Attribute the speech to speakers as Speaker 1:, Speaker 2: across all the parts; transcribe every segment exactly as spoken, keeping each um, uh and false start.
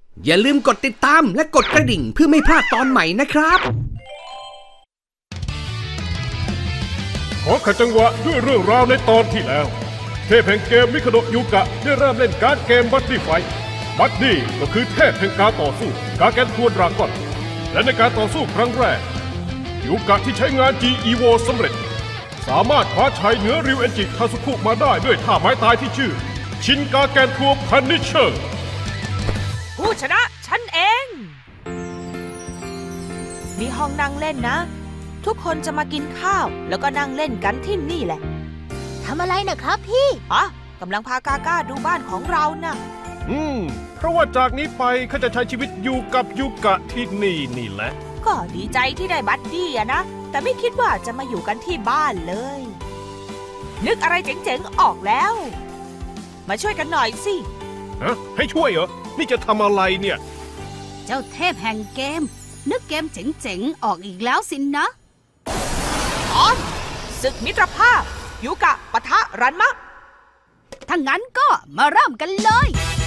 Speaker 1: อย่าลืมกดติดตามและกดกระดิ่งเพื่อไม่พลาดตอนใหม่นะครับ
Speaker 2: ขอขัดจังหวะด้วยเรื่องราวในตอนที่แล้วเทพแห่งเกมมิคาโดะยูกะได้เริ่มเล่นการเกมบัดดี้ไฟท์บัดดี้ก็คือเทพแห่งการต่อสู้การแกนทัวดราก้อนและในการต่อสู้ครั้งแรกยูกะที่ใช้งาน จี อี โว สำเร็จสามารถคว้าชัยเหนือริวเอนจิคาซุคุมาได้ด้วยท่าไม้ตายที่ชื่อชินกาแกนทัวพันนิเชอร์
Speaker 3: ผู้ชนะฉันเอง มีห้องนั่งเล่นนะทุกคนจะมากินข้าวแล้วก็นั่งเล่นกันที่นี่แหละ
Speaker 4: ทำอะไรนะครับพี่
Speaker 3: อ๋อกำลังพากาก้าดูบ้านของเรานะ
Speaker 2: อืมเพราะว่าจากนี้ไปเขาจะใช้ชีวิตอยู่กับยูกะที่นี่นี่แหละ
Speaker 3: ก็ดีใจที่ได้บัดดี้อะนะแต่ไม่คิดว่าจะมาอยู่กันที่บ้านเลยนึกอะไรเจ๋งๆออกแล้วมาช่วยกันหน่อยสิ
Speaker 2: ฮะให้ช่วยเหรอนี่จะทำอะไรเนี่ย
Speaker 4: เจ้าเทพแห่งเกมนึกเกมเจ๋งๆออกอีกแล้วสินนะ
Speaker 3: ตอนศึกมิตรภาพยูกะปะทะรันมะ
Speaker 4: ถ้างั้นก็มาเริ่มกันเลย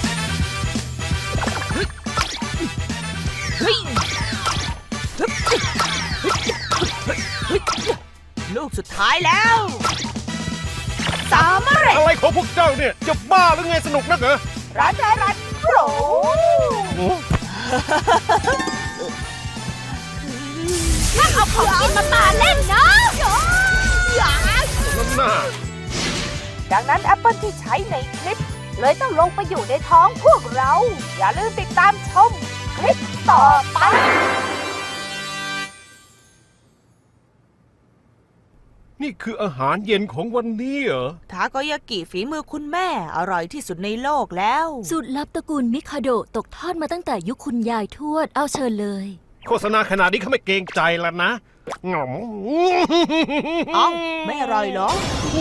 Speaker 3: ลูกสุดท้ายแล้วสามารถ
Speaker 2: อะไรของพวกเจ้าเนี่ยจะบ้าหรือไงสนุกนักเหรอ
Speaker 3: รันรันโปร
Speaker 4: นั่งเอาของกินมาปาเล่นนะ
Speaker 2: อย่านั่นน่ะ
Speaker 3: ดังนั้นแอปเปิลที่ใช้ในคลิปเลยต้องลงไปอยู่ในท้องพวกเราอย่าลืมติดตามชมคลิปต่อไป
Speaker 2: นี่คืออาหารเย็นของวันนี้เหรอ
Speaker 3: ทาโกยากิฝีมือคุณแม่อร่อยที่สุดในโลกแล้ว
Speaker 5: สูตรลับตระกูลมิคาโดะตกทอดมาตั้งแต่ยุคคุณยายทวดเอาเชิญเลย
Speaker 2: โฆษณาขนาดนี้เขาไม่เกรงใจแล้วนะงอม
Speaker 3: เอ้าไม่อร่อยเหรอ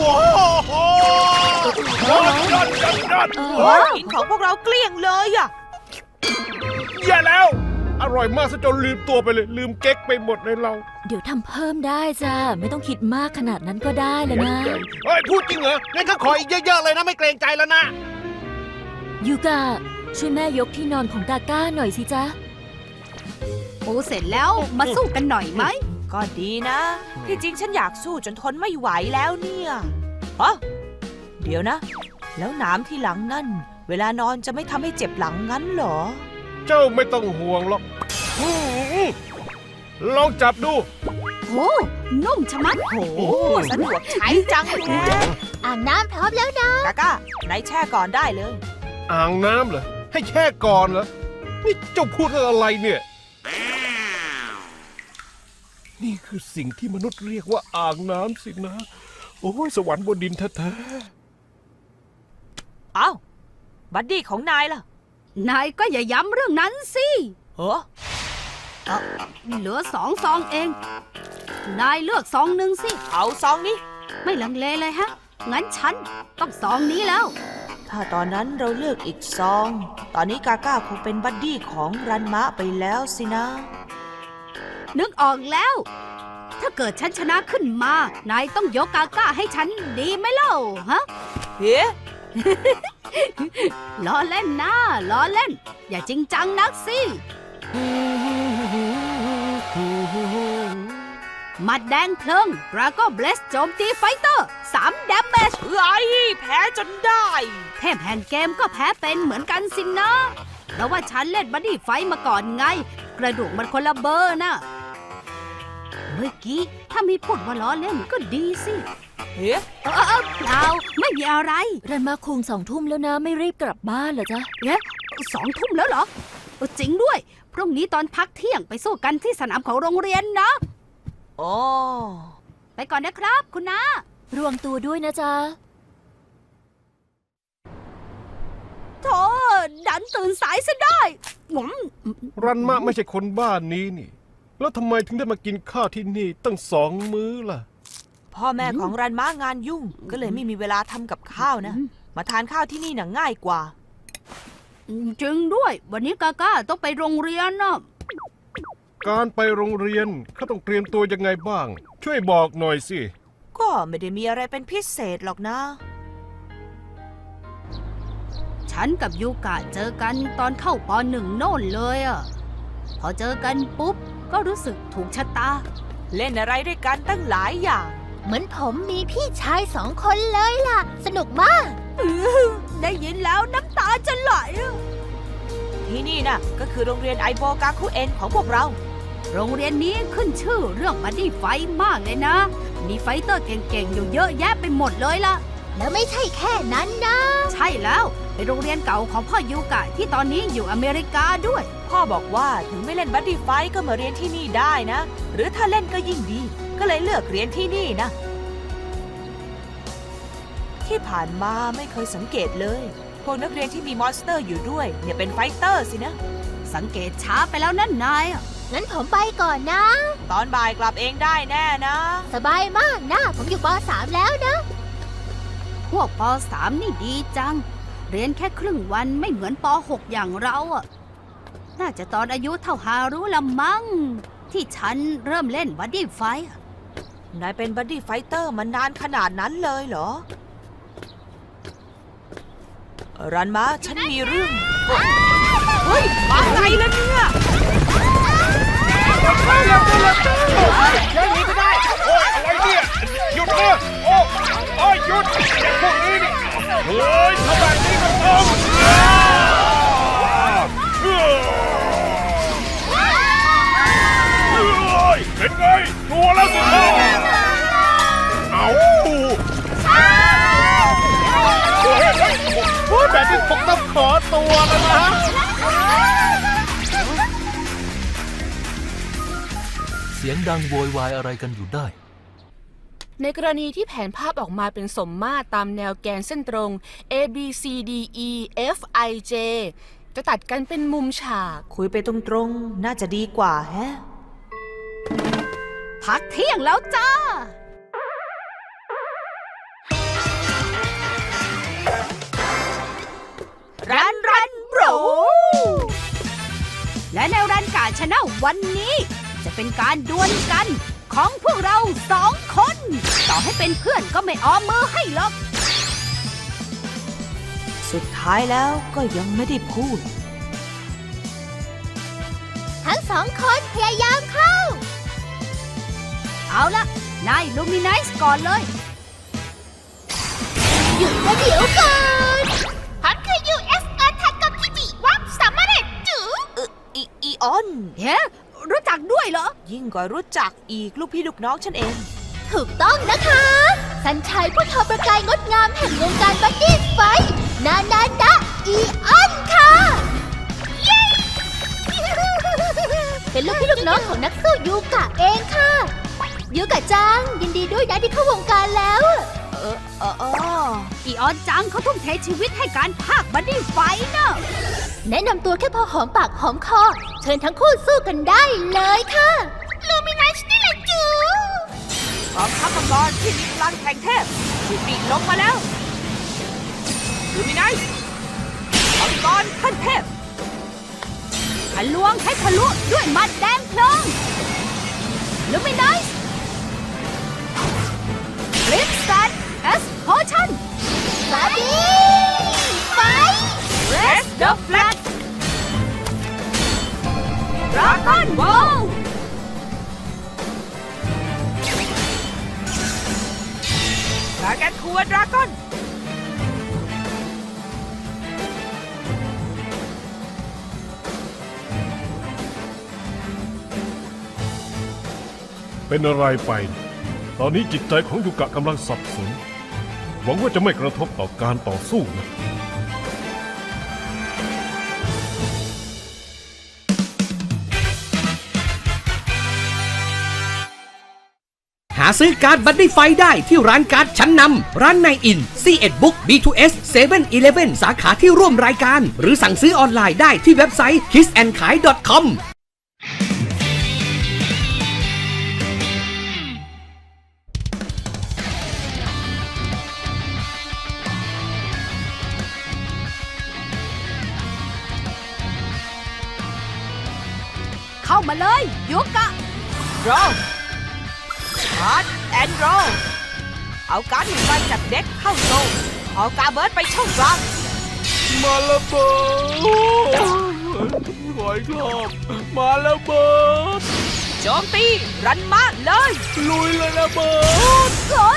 Speaker 2: ว้าวยอดยอดยอดยอด
Speaker 3: กินของพวกเราเกลี้ยงเลยอะ
Speaker 2: แย่แล้วอร่อยมากซะจนลืมตัวไปเลยลืมเก๊กไปหมดเลยเรา
Speaker 5: เดี๋ยวทำเพิ่มได้จ้าไม่ต้องคิดมากขนาดนั้นก็ได้เลยนะ
Speaker 2: เฮ้ยพูดจริงเหรองั้นก็ขออีกเยอะๆเลยนะไม่เกรงใจแล้วนะ
Speaker 5: ยูกะช่วยแม่ยกที่นอนของกาก้าหน่อยสิจ๊ะ
Speaker 4: ปูเสร็จแล้วมาสู้กันหน่อยไหม
Speaker 3: ก็ดีนะที่จริงฉันอยากสู้จนทนไม่ไหวแล้วเนี่ยอ๋อเดี๋ยวนะแล้วหนามที่หลังนั่นเวลานอนจะไม่ทำให้เจ็บหลังงั้นเหรอ
Speaker 2: เจ้าไม่ต้องห่วงหรอกลองจับดู
Speaker 4: โอ้นุ่มชะมัด
Speaker 3: โอ้สะดวกใช้จังเลย
Speaker 4: อ่างน้ำพร้อมแล้วนะ
Speaker 3: กาก้าไหนแช่ก่อนได้เลย
Speaker 2: อ่างน้ำเหรอให้แช่ก่อนเหรอนี่เจ้าพูดอะไรเนี่ยนี่คือสิ่งที่มนุษย์เรียกว่าอ่างน้ำสินะโอ้ยสวรรค์บนดินแท้
Speaker 3: ๆอ้าวบัดดี้ของนายล่ะ
Speaker 4: นายก็อย่าย้ำเรื่องนั้นสิ
Speaker 3: เหรอ
Speaker 4: เหลือสองซองเองนายเลือกซองหนึ่งสิ
Speaker 3: เอาซองนี้
Speaker 4: ไม่ลังเลเลยฮะงั้นฉันต้องซองนี้แล้ว
Speaker 3: ถ้าตอนนั้นเราเลือกอีกซองตอนนี้กาก้าคงเป็นบัดดี้ของรันมะไปแล้วสินะ
Speaker 4: นึกออกแล้วถ้าเกิดฉันชนะขึ้นมานายต้องยกกาก้าให้ฉันดีไหมเล่าฮะ
Speaker 3: เฮ้
Speaker 4: ล้อเล่นนะล้อเล่นอย่าจริงจังนักสิมัดแดงเพลิงดราก้อนเบลสโจมตีไฟเตอร์สามดาเมจ
Speaker 3: เอ้ยแพ้จนได้
Speaker 4: เทพแห่งเกมก็แพ้เป็นเหมือนกันสินะเพราะว่าฉันเล่นบัดดี้ไฟมาก่อนไงกระดูกมันคนละเบอร์นะเมื่อกี้ถ้ามีพูดว่าล้อเล่นก็ดีสิ
Speaker 3: เฮ้
Speaker 4: เออเออเปล่าไม่มีอะไร
Speaker 5: รันมาคุงสองทุ่มแล้วนะไม่รีบกลับบ้านเหรอจ๊ะ
Speaker 4: เอ๊ะสองทุ่มแล้วเหรอจริงด้วยพรุ่งนี้ตอนพักเที่ยงไปสู้กันที่สนามของโรงเรียนนะ
Speaker 3: อ๋อ
Speaker 4: ไปก่อนนะครับคุณน้าร
Speaker 5: วมตัวด้วยนะจ๊ะ
Speaker 4: โธ่ดันตื่นสายซะได้งม
Speaker 2: รันมะไม่ใช่คนบ้านนี้นี่แล้วทำไมถึงได้มากินข้าวที่นี่ตั้งสองมื้อล่ะ
Speaker 3: พ่อแม่ของรันมะงานยุ่งก็เลยไม่มีเวลาทำกับข้าวนะมาทานข้าวที่นี่น่ะง่ายกว่า
Speaker 4: จริงด้วยวันนี้กาก้าต้องไปโรงเรียนนะ
Speaker 2: การไปโรงเรียนเขาต้องเตรียมตัวยังไงบ้างช่วยบอกหน่อยสิ
Speaker 3: ก็ไม่ได้มีอะไรเป็นพิเศษหรอกนะ
Speaker 4: ฉฉันกับยูกะเจอกันตอนเข้าปหนึ่งโน่นเลยอ่ะ พอเจอกันปุ๊บก็รู้สึกถูกชะตา
Speaker 3: เล่นอะไรด้วยกันตั้งหลายอย่าง
Speaker 5: เหมือนผมมีพี่ชายสองคนเลยล่ะ สนุกมาก
Speaker 4: ได้ยินแล้วน้ำตาจะไหลอะ
Speaker 3: ที่นี่น่ะก็คือโรงเรียนไอโบกาคุเอ็นของพวกเรา
Speaker 4: โรงเรียนนี้ขึ้นชื่อเรื่องบัดดี้ไฟท์มากเลยนะ มีไฟเตอร์เก่งๆอยู่เยอะแยะไปหมดเลยล่ะ
Speaker 5: แล้วไม่ใช่แค่นั้นนะ
Speaker 4: ใช่แล้วเป็นโรงเรียนเก่าของพ่อยูกะที่ตอนนี้อยู่อเมริกาด้วย
Speaker 3: พ่อบอกว่าถึงไม่เล่นบัดดี้ไฟท์ก็มาเรียนที่นี่ได้นะ หรือถ้าเล่นก็ยิ่งดี ก็เลยเลือกเรียนที่นี่นะ ที่ผ่านมาไม่เคยสังเกตเลย พวกนักเรียนที่มีมอนสเตอร์อยู่ด้วยเนี่ยเป็นไฟเตอร์สินะ
Speaker 4: สังเกตช้าไปแล้วนั่นนายอะ
Speaker 5: งั้นผมไปก่อนนะ
Speaker 3: ตอนบ่ายกลับเองได้แน่นะ
Speaker 5: สบายมากนะ ผมอยู่ป สามแล้วนะ
Speaker 4: พวกปสามนี่ดีจัง เรียนแค่ครึ่งวันไม่เหมือนปหกอย่างเราอ่ะ น่าจะตอนอายุเท่าฮารุละมั้งที่ฉันเริ่มเล่นบัดดี้ไฟท์อะ
Speaker 3: นายเป็นบัดดี้ไฟเตอร์มานานขนาดนั้นเลยเหรอ รันมาฉันมีเรื่อง เฮ้ย มาไงล่ะเนี่ย
Speaker 2: ยังหนีไม่ได้ โอ้ยอะไรเนี่ย หยุดนะโอ้โอ้ยหยุดไอ้พวกนี้นี่เฮ้ยทำแบบนี้ก็ต้องเฮ้ยเป็นไงกลัวแล้วสิครับเอาเฮ้ยเฮ้ยโอ้ยแบบนี้ผมต้องขอตัวแล้วนะ
Speaker 6: เสียงดังโวยวายอะไรกันอยู่ได้
Speaker 7: ในกรณีที่แผนภาพออกมาเป็นสมมาตรตามแนวแกนเส้นตรง A B C D E F I J จะตัดกันเป็นมุมฉาก
Speaker 3: คุยไปตรงๆ น่าจะดีกว่าแฮะ
Speaker 4: พักเที่ยงแล้วจ้า
Speaker 3: รันรันโบร
Speaker 4: และในรันการชนะวันนี้ จะเป็นการดวลกันของพวกเราสองคน ต่อให้เป็นเพื่อนก็ไม่อ้อมมือให้หรอก
Speaker 3: สุดท้ายแล้วก็ยังไม่ได้พูด
Speaker 5: ทั้งสองคนพยายามเข้า
Speaker 4: เอาละนายลูมินไนซ์ก่อนเลย
Speaker 5: หยุดประเดี๋ยวก่อนผมคือ ยู เอฟ อาร์ ทักกับพิจิวับสามารถจู
Speaker 3: เอออีอีออน
Speaker 4: เฮ้รู้จักด้วยเหรอ
Speaker 3: ยิ่งกว่ารู้จักอีกลูกพี่ลูกน้องฉันเอง
Speaker 5: ถูกต้องนะคะ สัญชัยผู้ทอประกายงดงามแห่งวงการบัดดี้ไฟท์นานาดะอีออนค่ะ เย้ เป็นลูกพี่ลูกน้องของนักสู้ยูกะเองค่ะ ยูกะจัง ยินดีด้วยนะที่เข้าวงการแล้ว
Speaker 3: เออเออเออ
Speaker 4: อีออนจังเขาทุ่มเทชีวิตให้การพากย์บัดดี้ไฟท์นะ
Speaker 5: แนะนำตัวแค่พอหอมปากหอมคอ เชิญทั้งคู่สู้กันได้เลยค่ะลูมินัสนี่แหละจู
Speaker 3: กองทัพมังกรที่มีพลังแห่งเทพถูกปีกลงมาแล้วลูมินัสมังกรขั้นเทพ
Speaker 4: ทะลวงให้ทะลุด้วยหมัดแดงเพลิงลูมิน i ส์ฟลิปสตันเอสโพชั่น
Speaker 5: บาร์บี้ไฟ
Speaker 3: เรสเดอะแฟลก
Speaker 4: ดราก้อนบอล
Speaker 3: ดราแกนคัวดราก้อน
Speaker 2: เป็นอะไรไป ตอนนี้จิตใจของยูกะกำลังสับสน หวังว่าจะไม่กระทบต่อการต่อสู้นะ
Speaker 1: หาซื้อการ์ดบัดดี้ไฟได้ที่ร้านการ์ดชั้นนำ ร้านในอิน ซี เอ็ด Book บี ทู เอส เซเว่น อีเลฟเว่น สาขาที่ร่วมรายการ หรือสั่งซื้อออนไลน์ได้ที่เว็บไซต์ คิสแอนด์ขาย ดอท คอม
Speaker 4: เข้ามาเลยยูกะ
Speaker 3: รอชาร์จแอนด์รอเอาการ์ดหนึ่งใบจากเด็กเข้าโซ่เอาการ์เบิร์ดไปช่องกลาง
Speaker 4: ม
Speaker 6: มาระเบิดหอยกรอบมาระเบิด
Speaker 3: โจมตีรันมาเลย
Speaker 6: ลุยเลยระเบิด
Speaker 3: เฮ้ย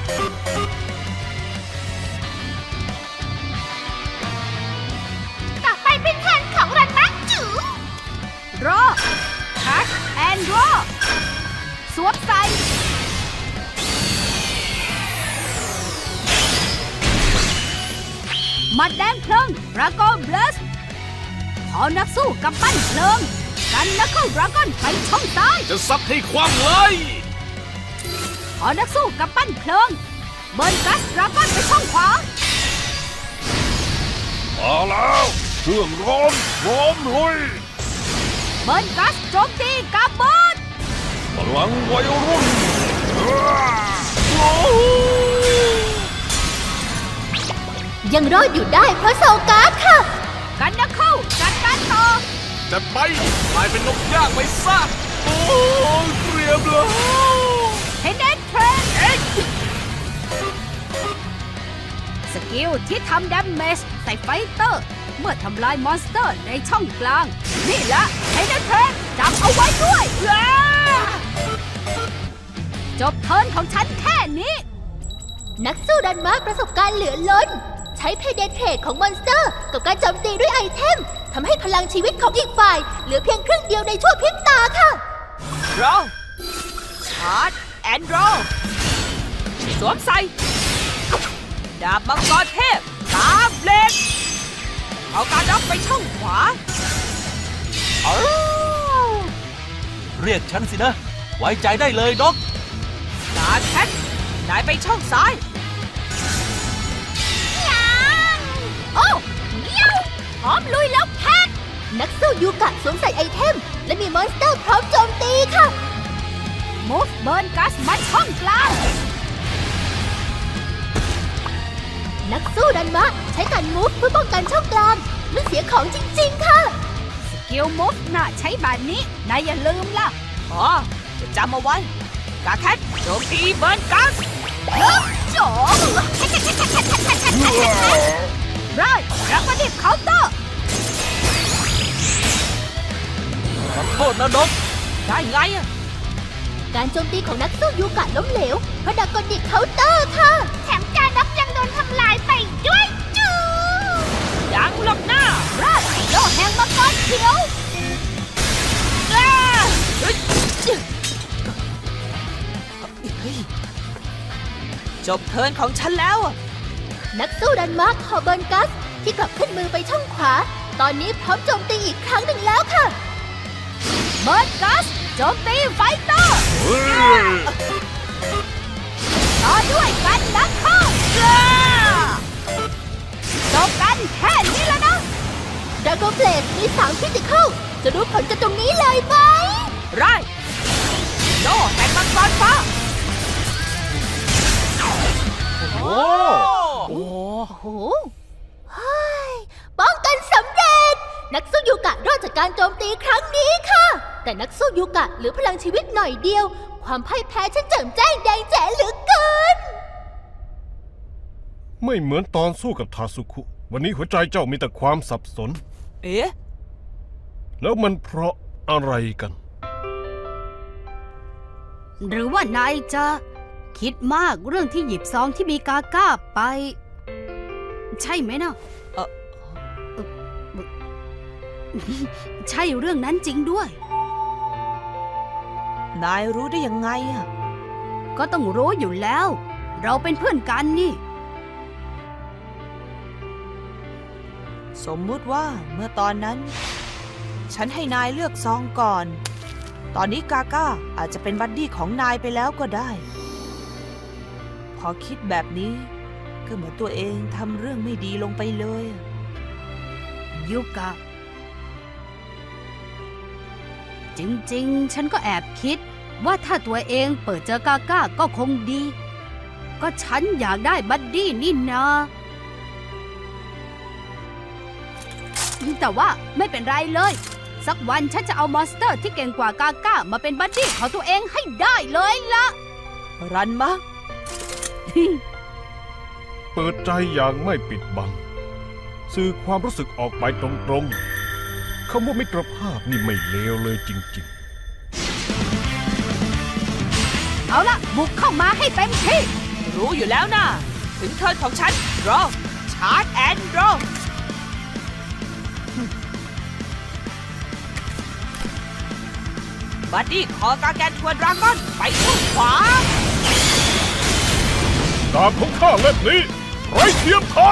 Speaker 5: ต่อไปเป็นแทนของรันมักจู
Speaker 4: รอแท็กแอนด์รอสวมใส่มัดแดงเพลิงดราก้อนเบลสขอนักสู้กับปั้นเพลิงกันนักเข้าดราก้อนไปช่องซ้าย
Speaker 6: จะซัดให้คว่ำเลย
Speaker 4: ขอนักสู้กับปั้นเพลิงเบิร์นกัสดราก้อนไปช่องขวา
Speaker 2: มาแล้วเครื่องร้อนพร้อมลุย
Speaker 4: เบิร์นกัสโจมตีกับเบิร์น
Speaker 2: พลังวัยรุ่น
Speaker 5: ยังรอดอยู่ได้เพราะโซการ์ดค่ะ
Speaker 4: กันนักเข้าจัดการต่อ
Speaker 6: จะไปกลายเป็นนกย่างไปซะโอ้ยเตรียมแล้ว
Speaker 4: เฮเดนเทรนสกิลที่ทำดาเมจใส่ไฟเตอร์ เมื่อทำลายมอนสเตอร์ในช่องกลาง นี่ละเฮเดนเทรนจำเอาไว้ด้วยจบเทิร์นของฉันแค่นี้
Speaker 5: นักสู้รันมาประสบการณ์เหลือล้น ใช้เพเดนเทรดของมอนสเตอร์กับการโจมตีด้วยไอเทมทำให้พลังชีวิตของอีกฝ่าย เหลือเพียงครึ่งเดียวในชั่วพริบตาค่ะ
Speaker 3: รอชาร์จแอนด์รอสวมใส่ดาบมังกรเทพตาเบลดเอาการด็อกไปช่องขวา
Speaker 6: เรียกฉันสินะ ไว้ใจได้เลยด็อก
Speaker 3: ตาแคทนายไปช่องซ้าย
Speaker 5: โอ้เยี่ยวพร้อมลุยแล้วแพทนักสู้ยูกะสวมใส่ไอเทม และมีมอนสเตอร์พร้อมโจมตีค่ะ
Speaker 4: มูฟเบิร์นกัสมาช่องกลาง
Speaker 5: นักสู้รันมะใช้การมูฟเพื่อป้องกันช่องกลางไม่เสียของจริงๆค่ะ
Speaker 4: สกิลมูฟน่ะใช้แบบนี้ นายอย่าลืมล่ะ
Speaker 3: อ๋อ จะจำเอาไว้ กาแคทโจมตีเบิร์นกัส
Speaker 5: โจ
Speaker 4: ไรรับมาดิบเคาน์เตอร์
Speaker 6: ขอโทษนะด็อก
Speaker 3: ได้ไงอะ
Speaker 5: การโจมตีของนักสู้ยูกะล้มเหลวเพราะดากอนิกเคาน์เตอร์ค่ะ แถมการนับยังโดนทำลายไปด้วยจู
Speaker 3: ยังหลบหน้า
Speaker 4: ไรโลแห่งมังกรเขียว
Speaker 3: อ้าเฮ้ยเฮ้ยจบเทิร์นของฉันแล้วอะ
Speaker 5: นักสู้รันมะขอเบิร์นกัสที่กลับขึ้นมือไปช่องขวา ตอนนี้พร้อมโจมตีอีกครั้งหนึ่งแล้วค่ะ
Speaker 4: เบิร์นกัสโจมตีไฟเตอร์ต่อด้วยกันนักเข้าจบกันแค่นี้แล้วนะ
Speaker 5: ดราโกเบลดมีสามคริติคอลจะรู้ผลกันตรงนี้เลยไหม
Speaker 3: ไรโล่แห่งมังกรฟ้า
Speaker 6: โอ้
Speaker 3: โอ้
Speaker 5: โอ้โหเฮ้ยป้องกันสำเร็จ นักสู้ยูกะรอดจากการโจมตีครั้งนี้ค่ะ แต่นักสู้ยูกะเหลือพลังชีวิตหน่อยเดียว ความพ่ายแพ้ฉันแจ่มแจ้งแดงแจ๋เหลือเกิน
Speaker 2: ไม่เหมือนตอนสู้กับทาสุคุ วันนี้หัวใจเจ้ามีแต่ความสับสน
Speaker 3: เอ๊ะ
Speaker 2: แล้วมันเพราะอะไรกัน
Speaker 4: หรือว่านายจะคิดมากเรื่องที่หยิบซองที่มีกาก้าไป ใช่ไหมนะ
Speaker 3: เอ่อ
Speaker 4: เอ่อใช่เรื่องนั้นจริงด้วย
Speaker 3: นายรู้ได้ยังไงอะ
Speaker 4: ก็ต้องรู้อยู่แล้ว เราเป็นเพื่อนกันนี่
Speaker 3: สมมุติว่าเมื่อตอนนั้น ฉันให้นายเลือกซองก่อน ตอนนี้กาก้าอาจจะเป็นบัดดี้ของนายไปแล้วก็ได้ พอคิดแบบนี้ก็เหมือนตัวเองทำเรื่องไม่ดีลงไปเลยอะ
Speaker 4: ยุกะ จริงๆ ฉันก็แอบคิดว่าถ้าตัวเองเปิดเจอกาก้าก็คงดี ก็ฉันอยากได้บัดดี้นี่นาแต่ว่าไม่เป็นไรเลย สักวันฉันจะเอามอนสเตอร์ที่เก่งกว่ากาก้ามาเป็นบัดดี้ของตัวเองให้ได้เลยล่ะ
Speaker 3: รันมะ
Speaker 2: เปิดใจอย่างไม่ปิดบังสื่อความรู้สึกออกไปตรงๆคำว่ามิตรภาพนี่ไม่เลวเลยจริงๆ
Speaker 4: เอาละบุกเข้ามาให้เต็มที่
Speaker 3: รู้อยู่แล้วนะถึงเทิร์นของฉันรอชาร์จแอนด์รอบัดดี้ขอกาแกนทวนดราก้อนไปทางขวา
Speaker 2: ดาบของข้าเล่มนี้ไร้เทียมทาน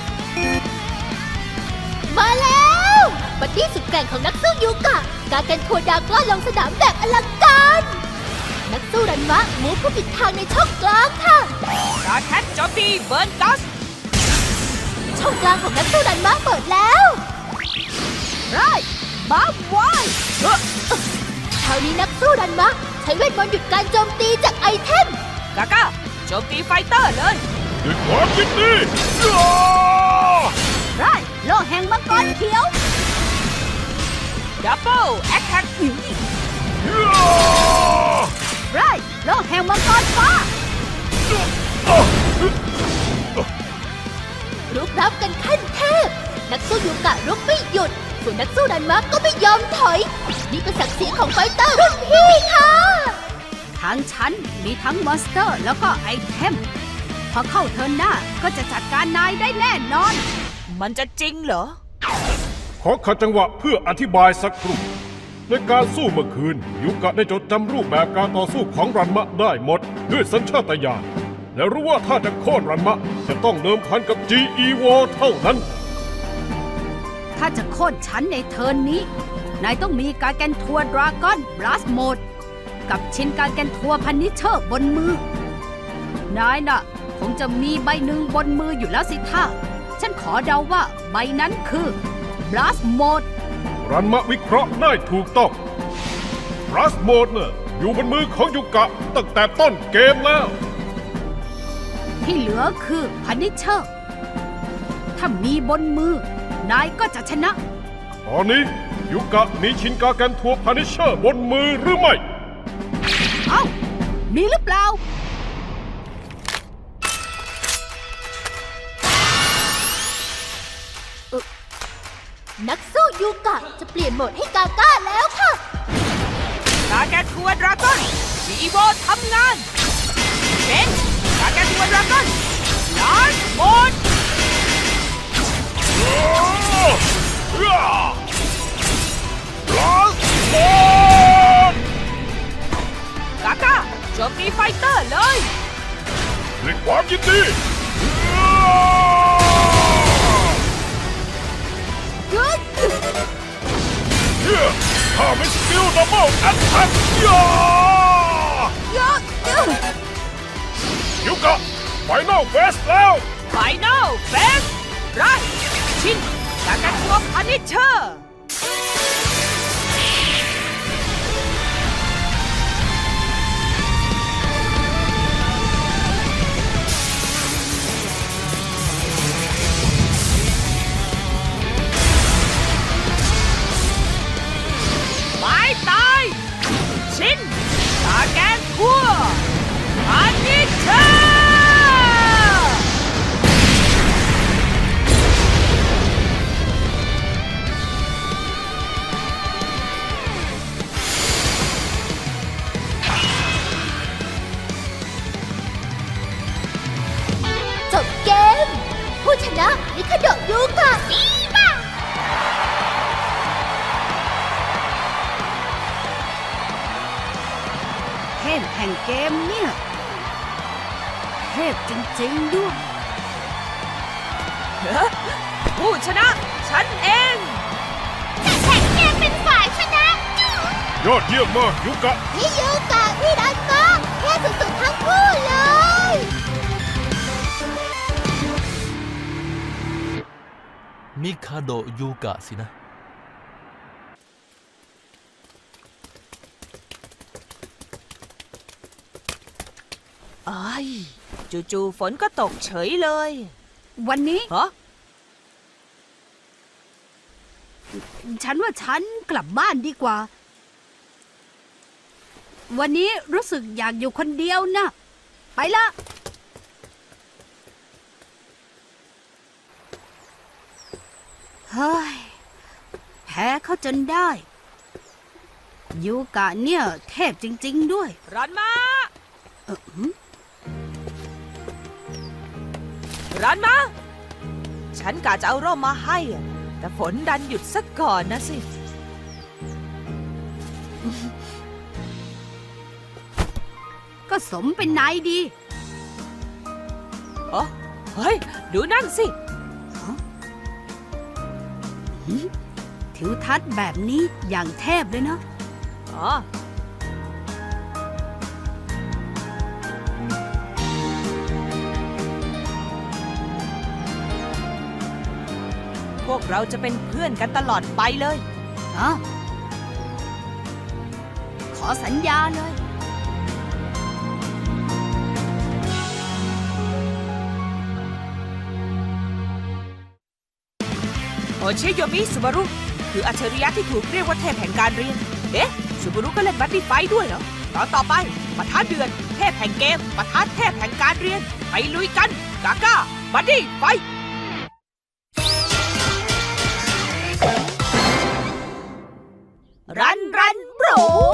Speaker 5: มาแล้วบัดดี้สุดแกร่งของนักสู้ยูกะ การแกนทัวดาก้อนลงสนามแบบอลังการ นักสู้รันมะมูฟผู้ปิดทางในช่องกลางค่ะ
Speaker 3: ราแทนโจมตีเบิร์นกัส
Speaker 5: ช่องกลางของนักสู้รันมะเปิดแล้ว
Speaker 4: ไรบ้าไว้
Speaker 5: คราวนี้นักสู้รันมะใช้เวทมนต์หยุดการโจมตีจากไอเทม
Speaker 3: กาก้าโจมตีไฟเตอร์เลย
Speaker 2: ด้วยความยินดี
Speaker 4: ไรโลแห่งมังกรเขียว
Speaker 3: ดับเบิลแอคแท็ก
Speaker 4: ไรโลแห่งมังกรฟ้า
Speaker 5: รุกรับกันขั้นเทพ นักสู้ยูกะรุกไม่หยุด ส่วนนักสู้รันมะก็ไม่ยอมถอย นี่เป็นศักดิ์ศรีของไฟเตอร์รุ่นพี่ค่ะ
Speaker 4: ทางฉันมีทั้งมอนสเตอร์แล้วก็ไอเทม พอเข้าเทิร์นหน้าก็จะจัดการนายได้แน่นอน
Speaker 3: มันจะจริงเหรอ
Speaker 2: ขอขัดจังหวะเพื่ออธิบายสักครู่ในการสู้เมื่อคืนยูกะได้จดจำรูปแบบการต่อสู้ของรันมะได้หมด ด้วยสัญชาตญาณและรู้ว่าถ้าจะโค่นรันมะจะต้องเดิมพันกับ จี อี War เท่านั้น
Speaker 4: ถ้าจะโค่นฉันในเทิร์นนี้ นายต้องมีการแกนทัวดราก้อนบลัสโหมด กับชินการแกนทัวพันนิเชอร์บนมือ นายน่ะ คงจะมีใบหนึ่งบนมืออยู่แล้วสิท่า ฉันขอเดาว่าใบนั้นคือบลัสโหมด
Speaker 2: รันมะวิเคราะห์ได้ถูกต้องรัสโหมดน่ะอยู่บนมือของยูกะตั้งแต่ต้นเกมแล้ว
Speaker 4: ที่เหลือคือพันนิเชอร์ ถ้ามีบนมือ นายก็จะชนะ
Speaker 2: ตอนนี้ยูกะมีชินกาแกนทัวพานิเชอร์บนมือหรือไม่
Speaker 4: เอ้า มีหรือเปล่า
Speaker 5: นักสู้ยูกะจะเปลี่ยนโหมดให้กาก้าแล้วค่ะ
Speaker 3: กาแกนทัวดราก้อนจีโบทำงานเป็นกาแกนทัวดราก้อนลาสโหมด
Speaker 2: ลาสโหมด
Speaker 3: กาก้าโจมตีไฟเตอร์เลย
Speaker 2: ด้วยความยินดีข้าไม่สกิลดับเบิลแอตแทกยูกะไฟนอลเฟสแล้ว
Speaker 3: ไฟนอลเฟสไรชินกาแกนทัวพันนิเชอร์ ไม่ตายชินกาแกนทัวพันนิเชอร์
Speaker 5: จบเกม ผู้ชนะมิคาโดะยูกะดีมาก
Speaker 4: เทพแห่งเกมเนี่ย เทพจริงๆด้วย
Speaker 3: ผู้ชนะ ฉันเอง
Speaker 5: แต่แข่งเกมเป็นฝ่ายชนะ
Speaker 2: ยอดเยี่ยมมากยูกะ
Speaker 5: พี่ยูกะพี่รันมะแค่สุดๆทั้งคู่เลย
Speaker 6: มิคาโดะยูกะสินะ
Speaker 3: ไอ้ยจู่ๆฝนก็ตกเฉยเลย
Speaker 4: วันนี้
Speaker 3: ฮะ
Speaker 4: ฉันว่าฉันกลับบ้านดีกว่า วันนี้รู้สึกอยากอยู่คนเดียวนะ ไปละเฮ้ย แพ้เขาจนได้ ยูกะเนี่ยเทพจริง ๆ ด้วย
Speaker 3: รันมา
Speaker 4: เออหืม
Speaker 3: รันมา ฉันกะจะเอาร่มมาให้อะแต่ฝนดันหยุดซะก่อนนะสิ
Speaker 4: ก็สมเป็นนายดี
Speaker 3: อ๋อ เฮ้ย ดูนั่นสิ
Speaker 4: ทิวทัศน์แบบนี้อย่างเทพเลยเนาะ
Speaker 3: อ๋อ พวกเราจะเป็นเพื่อนกันตลอดไปเลย
Speaker 4: อ๋อ ขอสัญญาเลย
Speaker 3: โอชิโยมิสุบารุคืออัจฉริยะที่ถูกเรียกว่าเทพแห่งการเรียน เอ๊ะสุบารุก็เล่นบัดดี้ไฟท์ด้วยเหรอตอนต่อไปปะทะเดือนเทพแห่งเกมปะทะเทพแห่งการเรียน ไปลุยกัน กาก้าบัดดี้ไฟท์รันรันโบร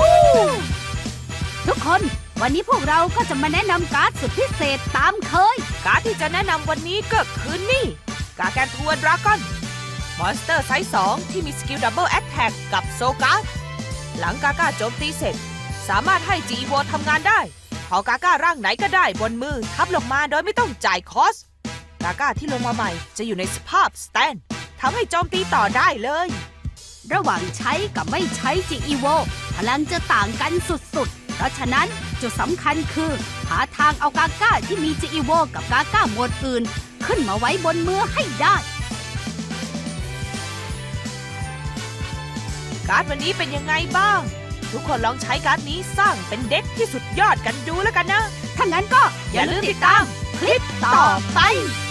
Speaker 4: ทุกคนวันนี้พวกเราก็จะมาแนะนำการ์ดสุดพิเศษตามเคย
Speaker 3: การ์ดที่จะแนะนำวันนี้ก็คือนี่ กาแกนทัวร์ดราก้อนมอนสเตอร์ไซส์สองที่มีสกิลดับเบิลแอตแทกกับโซการ์ดหลังกาก้าโจมตีเสร็จ สามารถให้จีโวทำงานได้พอกาก้าร่างไหนก็ได้บนมือทับลงมาโดยไม่ต้องจ่ายคอส กาก้าที่ลงมาใหม่จะอยู่ในสภาพสแตนทำให้โจมตีต่อได้เลย
Speaker 4: ระหว่างใช้กับไม่ใช้จีอีโวพลังจะต่างกันสุดๆ เพราะฉะนั้นจุดสำคัญคือ หาทางเอากาก้าที่มีจีอีโวกับกาก้าหมวดอื่น ขึ้นมาไว้บนมือให้ได้
Speaker 3: การ์ดวันนี้เป็นยังไงบ้าง ทุกคนลองใช้การ์ดนี้สร้างเป็นเด็กที่สุดยอดกันดูแล้วกันนะ
Speaker 4: ถ้างั้นก็อย่าลืมติดตามคลิปต่อไป